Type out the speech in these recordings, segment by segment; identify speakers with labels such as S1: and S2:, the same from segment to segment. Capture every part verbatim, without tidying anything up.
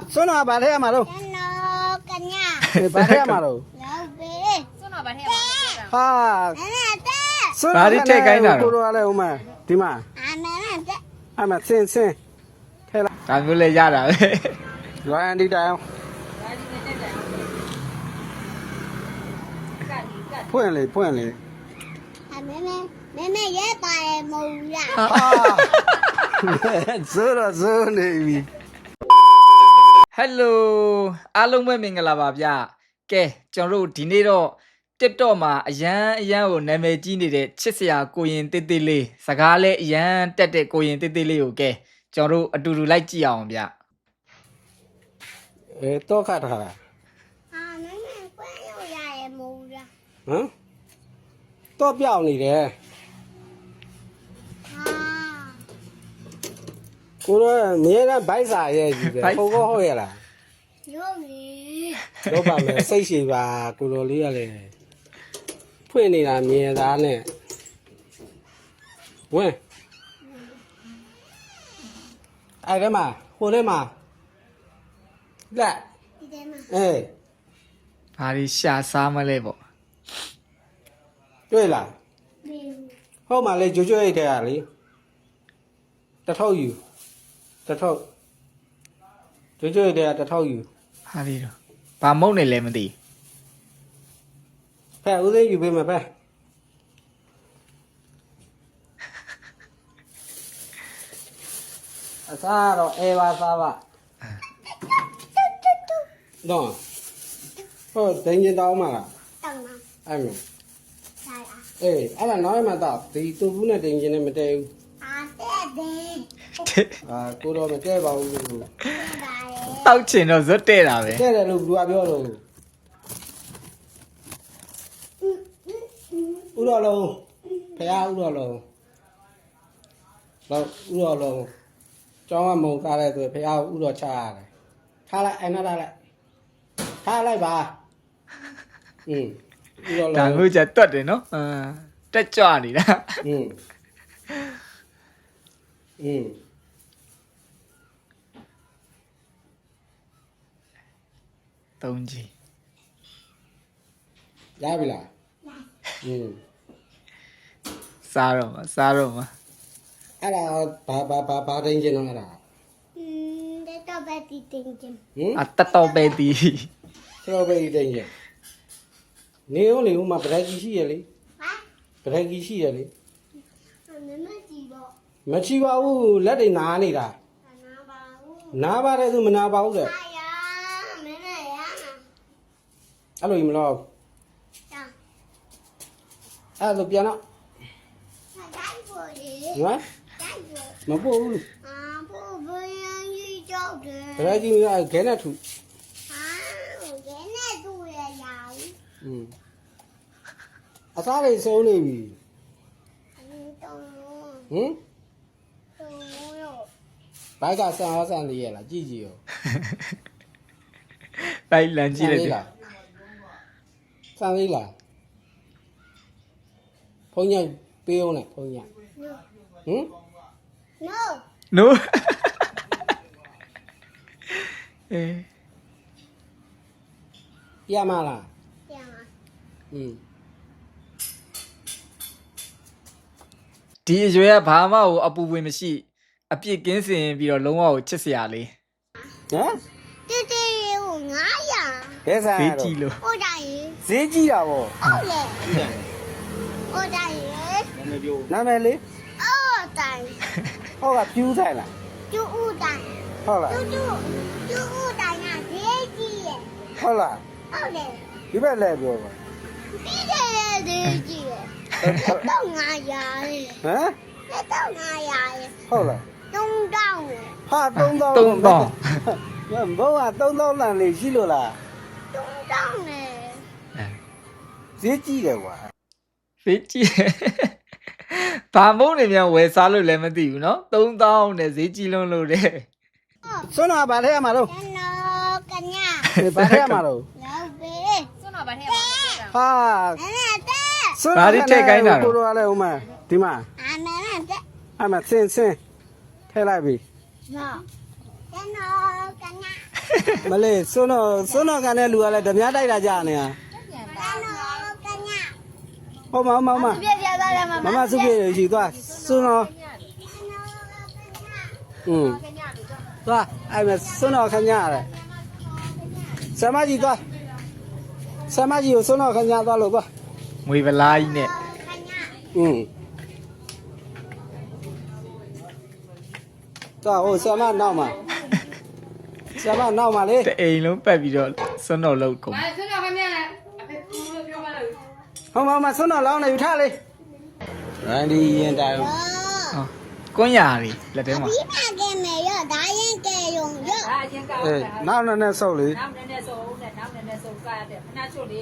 S1: စွန်းတော်ဗာထဲရမှာတော့
S2: ကျွန်တော်ကညာ
S1: ဗာထဲရမှာတော့
S2: လောက်ပဲ
S3: စွန်းတော်ဗာထဲမှာ
S1: ဟာ
S2: အမေတဲ့
S1: စွန်းတော်ကိုလိုရလဲဦးမဒီမှာ
S2: အမေတဲ့
S1: အမဆင်းဆင်းထဲလာ
S4: ဒါမျိုးလဲရတာပဲ
S1: လွိုင်းဒီတိုင်ဖွင့်လေဖွင့်လေ
S2: အမေမေမေမေရဲပါတယ်မဟုတ်လား
S1: ဟာဇိုးတော့ဇိုးနေပြီ
S4: ဟယ်လိုအားလုံးပဲမင်္ဂလာပါဗျကဲကျွန်တော်တို့ဒီနေ့တော့ TikTok မှာအရန်အရန်ကိုနာမည်ကြီးနေတဲ့ချစ်စရာကိုရင်တေးသေးလေးစကားလဲအရန်တက်တဲ့ကိုရင်တေးသေးလေးကိုကဲကျွန်တော်တို့အတူတူလိုက်ကြည့်အောင်ဗျ
S1: အဲတော့ခတ်ထားတာ
S2: အမေမေကွဲလို့ရတယ်မဟုတ်လား
S1: ဟမ်တော့ပြောင်းနေတယ်
S2: ဟာ
S1: ကိုတော့မြဲတမ်းဗိုက်စာရဲ့ကြီးပဲဟုတ်ကောဟုတ်ရလား
S2: ရုပ်လေ
S1: တော့ပါမယ်စိတ်ရှိပါကိုတော်လေးရလေဖွင့်နေတာမြင်သားနဲ့ဝင်အဲ့ဒါမှာဟိုထဲမှာလက်
S2: ဒီထဲမှာ
S1: အေး
S4: ဘာလို့ရှာစားမလဲပေါ့
S1: တွေ့လား
S2: ဒီ
S1: ဟုတ်မှလေကြွကြွရိတ်တဲ့ဟာလေတထောက်ယူတထောက်ကြွကြွရိတ်တဲ့ဟာတထောက်ယူ
S4: ဟာဒီတော့ဘာမုန်းနေလဲမသိ
S1: ဖဲဦးသိန်းယူပေးမယ်ဖဲအစားတော့အေးပါစားပါတော့ဟုတ်ဒင်းကျင်တောင်းမှာလား
S2: တောင်းမှာ
S1: အဲ့လို
S2: ဆိုင်အား
S1: အေးအဲ့ဒါနောက်မှတော့ဒီတူဘူးနဲ့ဒင်းကျင်နဲ့မတည့်ဘူး
S2: အာတဲ့တဲ့
S1: အာကိုတော့မတည့်ပါဘူးလို့
S2: ပါလေ
S4: တောက်ချင်တော့ဇွတ်တဲ့တာပဲ
S1: တည့်တယ်လို့သူကပြောလို့ဥတော်လုံးဖះဥတော်လုံးတော့ဥတော်လုံးကျောင်းကမုံကားတဲ့သူဖះဥတော်ချရတယ်ထားလိုက်အဲ့နောက်ထားလိုက်ထားလိုက်ပါอืมဥတော်
S4: ဒါ
S1: လုံး
S4: မျိုးကြတွတ်တယ်နော်အာတက်ကြွနေတာ
S1: อืมอืม
S4: သုံးကြီး
S1: ရပြီလားอืม
S4: စားတော့မှာစားတော့မှာ
S1: အဲ့ဒါဘာဘာဘာဘာတိုင်းကျင်တော့အဲ့ဒါ
S2: อืมတဲ့တော့ပဲတီတင်ချင်း
S1: ဟင်
S4: အတတော်ပဲတီး
S1: စတော်ဘယ်ရီတိုင်းကျင်နေဦးလေဦးမှာဗရက်ကြီးရှိရလေ
S2: ဟာ
S1: ဗရက်ကြီးရှိရလေ
S2: အမေမကြည့်တော့
S1: မချီပါဘူးလက်တွေနားနေတာ
S2: အနာပါဘူး
S1: နားပါတယ်သူမနာပါဘူးတဲ့
S2: အာယာမင်းနဲ့ရနာ
S1: အဲ့လိုကြီးမလို့
S2: တောင်း
S1: အဲ့လိုပြန်တော့
S2: တိုင်းပေါ်လေ
S1: နော်
S2: တိုင်းပေါ်
S1: မပို့ဘူး
S2: အာဖို့ဘယ်ကြီးကြောက်တယ်
S1: ဗရက်ကြီးကခဲနဲ့ထူ
S2: ဟာကဲနဲ့သူ့ရဲ့ရာဦး
S1: อืมအစားတွေစုံနေပြီ
S2: အင်းတုံး
S1: ဟင်
S2: တုံးရော
S1: ဘိုက်ကဆန်အောင်ဆန်လေးရလားကြည့်ကြည့်ရော
S4: လိုက်လန်ကြည့်လိုက်တယ်
S1: ဆန်လေးလားဖုန်းညပေးအောင်နဲ့ဖုန်းညဟင်
S2: no
S4: နိုးအေး
S1: ပြမလား
S2: ပြန်ပါ
S1: อืม
S4: ဒီအရွယ်ကဘာမှကိုအပူဝင်မရှိအပြစ်ကင်းစင်ပြီးတော့လုံးဝကိုချစ်စရာလေး
S1: ဟမ်
S2: တေးတေးကိုငါးရာ
S1: ဘယ်ဆန်
S4: ဘေးကြည့်လို့
S2: ဟိုတိုင်း
S1: ဈေးကြီးတာဗော
S2: ဟုတ်လေဟိုတိုင်း
S1: နာမည်လေး
S2: အော်တိုင်း
S1: ဟောကပြူးဆိုင်လား
S2: ကျူဦးတိုင်း
S1: ဟုတ်လား
S2: ကျူကျူကျူဦးတိုင်းကဈေးကြီးရဲ့
S1: ဟုတ်လား
S2: ဟုတ်လေ
S1: ဒီဘက်လဲပြောပါ
S2: ပြီးတယ်ဈေးကြီးရဲ့တော့ငါးရာလေ
S1: ဟမ်
S2: တော့ငါးရာလေ
S1: ဟုတ်လား
S2: သုံးတောင်းလေ
S1: ဟာသုံးသောင်း
S4: သုံးသောင်း
S1: ဘုံကသုံးသောင်းလန်လေးရှိလို့လား
S2: သုံးတောင်းလေ
S1: ဈေးကြီးတယ်ကွာ
S4: ဖေးကြည့်ဘာမုန်းနေမြန်ဝယ်စားလို့လည်းမသိဘူးเนาะသုံးသောင်းနဲ့ဈေးကြီးလုံးလို့တဲ့
S1: စွန်းတော်ဗာထဲရမှာတော့
S2: ကျွန်တော်ကညာ
S1: ဗာထဲရမှာတော့
S2: လောက်ပဲ
S3: စွန်းတော်ဗာထဲမှာ
S1: ဟာ
S2: အမေတဲ့
S1: စွန်းတော်ကိုတော်လည်းဦးမဒီမှာ
S2: အမေတဲ့
S1: အမဆင်းဆင်းထဲလိုက်ပြီ
S2: နော်ကျွန်တော်ကညာ
S1: မလေးစွန်းတော့စွန်းတော့ကန်တဲ့လူကလည်းဓမြတိုက်တာကြာနေတာ ဟုတ်မဟုတ်မဟုတ်မ
S2: ပြပြသွားတယ်မ
S1: မမစုပြေရှိသွားစွန်းတော့อืมသွားအဲ့မဲ့စွန်းတော့ခဏရတယ်ဆမကြီးသွားဆမကြီးကိုစွန်းတော့ခဏသွားလို့သွား
S4: ငွေဗလားကြီးနဲ့
S1: อืมသွားဟိုဆမနောက်မှာဆမနောက်မှာလေ
S4: တအိမ်လုံးပတ်ပြီးတော့စွန်းတော်လောက်ကုန်
S3: ဘာဆွတော့ခင်ဗျာအဖေကူလို့ပြောပါလို့
S1: ဟုတ်မဟုတ်မစွန်းတော့လောင်းနေယူထားလေရန်ဒီရင်တိုင်
S4: ဟောကွန်းရာတွေလက်ထဲမှာ
S2: ပြီးပါကဲမယ်ရောဒါရင်ကဲယုံရော
S3: ဒါအရင်ကောက်
S1: အေးနောက်နဲ့နဲ့ဆုပ်လေ
S3: နောက်နဲ့နဲ့ဆိုဦးနဲ့နောက်နဲ့နဲ့ဆိုကားရတယ်ခဏချွတ်လေ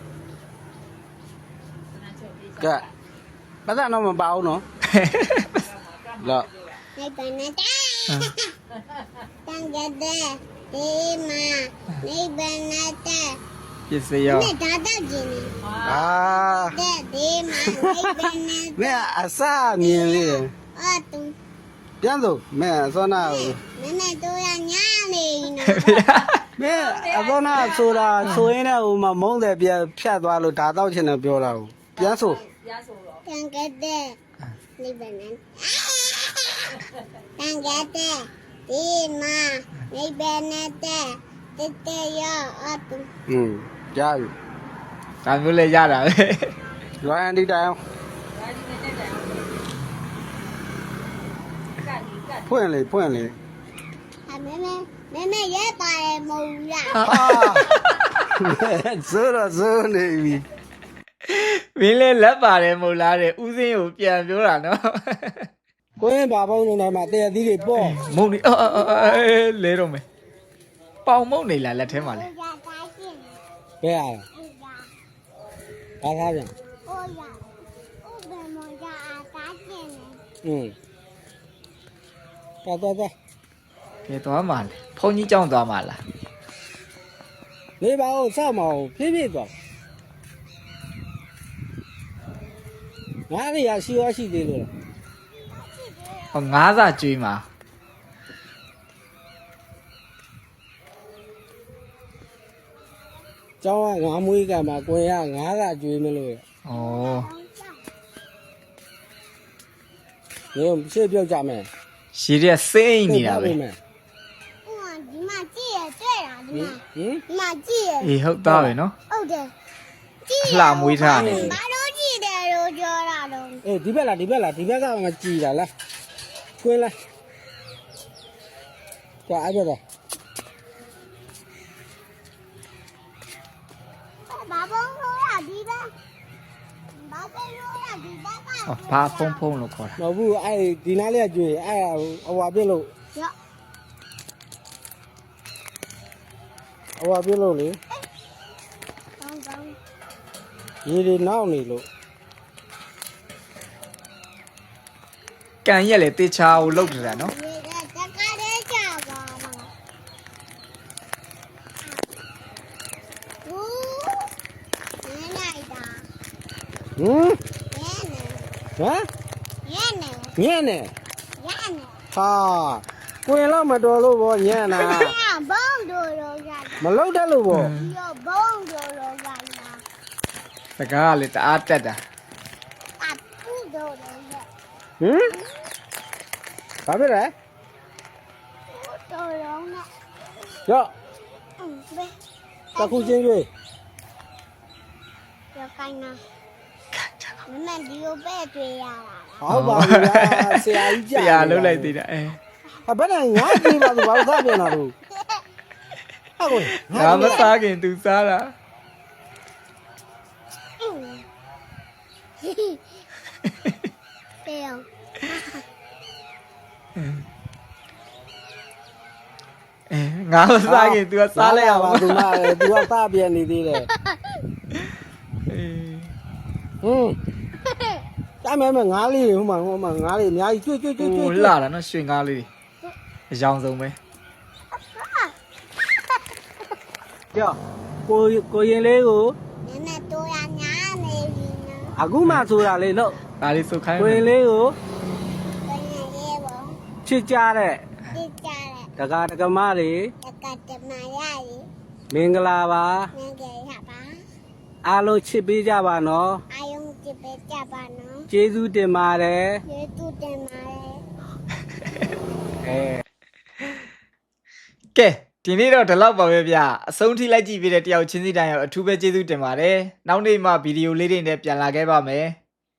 S3: ခဏချွတ်လေ
S1: ကဲပတ်သက်တော့မပါဘူးနော်လော
S2: နေပနေတာတန်ကြတဲ့ဒီမှာနေပနေတာ
S4: ပစ္စည်းရော
S2: နဲ့ဒါတော့ကျင်းနေ
S1: အာ
S2: တဲ့ဒီမှာနေပနေ
S1: မဲအစမြင်လေး
S2: အော်တူ
S1: ပြန်စို့မဲအစောနာကို
S2: မမတို့ရညာနေနော်
S1: မဲအစောနာဆိုတာဆိုရင်းနဲ့ဟိုမှာမုန်းတယ်ပြန်ဖြတ်သွားလို့ဒါတော့ချင်တယ်ပြောတာကိုပြန်စို့
S3: ပြဆိုတော့
S2: တန်ကြတဲ့နေပနေတန်ကြတဲ့ဒီမှာနေပနေတဲ့တဲ့တဲ့ရောအော်တူ
S1: อืมကြားပြီ
S4: ဒါမျိုးလဲရတာပဲ
S1: လွိုင်းအန်ဒီတိုင်အောင်
S3: ဒါဒီနဲ့တက်တယ်ကတ်ဒီကတ်
S1: ဖွင့်လေဖွင့်လေ
S2: အမေမေမေမေရဲပါတယ်မဟုတ်လား
S1: ဟာဇိုးတော့ဇိုးနေပြီ
S4: မင်းလဲလက်ပါတယ်မဟုတ်လားတဲ့ဥစဉ်ကိုပြန်ပြောတာနော်
S1: ကိုင်းဘာပေါင်းနေမှာတဲ့သီးတွေပေါ့
S4: မုံနေအော်အော်အော်လဲတော့မယ်ပေါင်မုံနေလားလက်ထဲမှာလဲ
S2: ရတာရှင်း
S1: ဘယ်ရလဲ
S2: ရ
S1: ဘာသားပြန်
S2: ဟိုရဥပမောရအတားရှင်းနေ
S1: อืมတော်တော်တော်
S4: ဘယ်သွားမှာလဲဖုန်ကြီးကြောင်းသွားမှာလား
S1: နေပါဦးစောက်မအောင်ဖြည်းဖြည်းသွားငါးရရှိရရှိသေးလို့
S4: ဟောငါးစာကျွေးမှာ
S1: ကျောင်းကငါးမွေးကမှာကိုယ်ကငါးကကျွေးမလို့
S4: ဩ
S1: ညရှေ့ပြောက်ကြမယ်
S4: ရှည်တဲ့စိမ့်နေတာပဲ
S2: ဟိုဒီမှာကြည့်ရတွေ့တာဒီမှာ
S1: ဟင်
S2: ဒီမှာကြည့်ရ
S4: အေးဟုတ်သားပဲနော်
S2: ဟုတ်တယ်ကြည့်
S4: အလှမွေးထားတယ်
S2: ဘာလို့ကြည့်တယ်လို့ပြောတာတော့
S1: အေးဒီဘက်လားဒီဘက်လားဒီဘက်ကမှကြည်တာလားကွင်းလားကွာအဲ့ဘက်တော့
S2: ဘာဘုံလို့ရဒီဘက်ဘာဘုံလို့ရဒီဘက်က
S4: ဟောဘာဖုံဖုံလို့ခေါ်တာ
S1: မဟုတ်ဘူးအဲ့ဒီနားလေးကကျွေးအဲ့အဝါပြစ်လို့
S2: ရ
S1: အဝါပြစ်လို့လေ
S2: ကောင်းကောင်း
S1: ရေတွေနောက်နေလို့
S4: ကန်ရက်လေတေချာကိုလောက်နေတာနော်
S2: ဒီကတကားလေးကြပါမှာဟူးနေလိုက်တာ
S1: ဟင်
S2: ရဲနေ
S1: ဟမ်
S2: ရဲနေ
S1: ညံ့နေ
S2: ရဲနေ
S1: ဟာကွင်းတော့မတော်လို့ဗောညံ့နာ
S2: ဘုံတို့ရောရ
S1: မလောက်တတ်လို့ဗော
S2: ရောဘုံတို့ရောရလာ
S4: စကားကလေတအားတက်တာ
S2: အပူတို့ရောရ
S1: ဟင်ဘာဖြစ်လဲ
S2: တို့ရောနဲ့
S1: ရော့
S2: အင်းဘယ်
S1: တခုချင်းကျွေး
S2: ရောကိုင်းနာမမဒီကိုပဲတွေ့ရတာ
S1: ဟုတ်ပါဘူးလားဆရာကြီး
S4: ဆ
S1: ကြာ
S4: ရာလှုပ်လိုက်သေးတာအဲ
S1: ဟာဘယ်နဲ့ငါကြည့်ပါသူဘာလို့သားပြန်လာလို့ဟာကို
S4: ငါမစားခင်သူစားတာ
S2: အင်းတေယော
S4: အဲငါမစားခင်သူကစားလိုက်ရပါ
S1: သူမသူကသားပြန်နေသေးတယ်
S4: အေး
S1: ဟွန်းတမ်းမဲမဲငါးလေးဟိုမှာဟိုမှာငါးလေးအများကြီးကျွတ်ကျွတ်ကျွတ်ကျွတ်
S4: ဟိုလာတာနော်ရွှေငါးလေးအယောင်ဆုံးပဲ
S1: ကြောကိုကိုရင်လေးကို
S2: နည်းနည်းတို့ရညာနေပြီနော်
S1: အခုမှဆိုတာလေလို့
S4: ဒါလေးစုတ်ခိုင်း
S1: ကိုရင်လေးကို
S2: ဘယ်နဲ့ရဲဘော
S1: ချစ်ကြတဲ့
S2: တိကြတဲ့
S1: တကာတကမတွေ
S2: တကတမမာယာရီ
S1: မင်္ဂလာပါ
S2: ငယ်ငယ်ရပါ
S1: အားလုံးချစ်ပေးကြပါနော်
S2: အာယုံကြည့်ပေးကြပါနော်
S1: ကျေးဇူးတင်ပါတယ်
S2: ကျေးဇူးတင်ပါတယ်
S1: အဲ
S4: ကဲဒီနေ့တော့ဒီလောက်ပါပဲဗျအဆုံးထိလိုက်ကြည့်ပေးတဲ့တယောက်ချင်းစီတိုင်းရောအထူးပဲကျေးဇူးတင်ပါတယ်နောက်နေ့မှဗီဒီယိုလေးတွေနဲ့ပြန်လာခဲ့ပါမယ်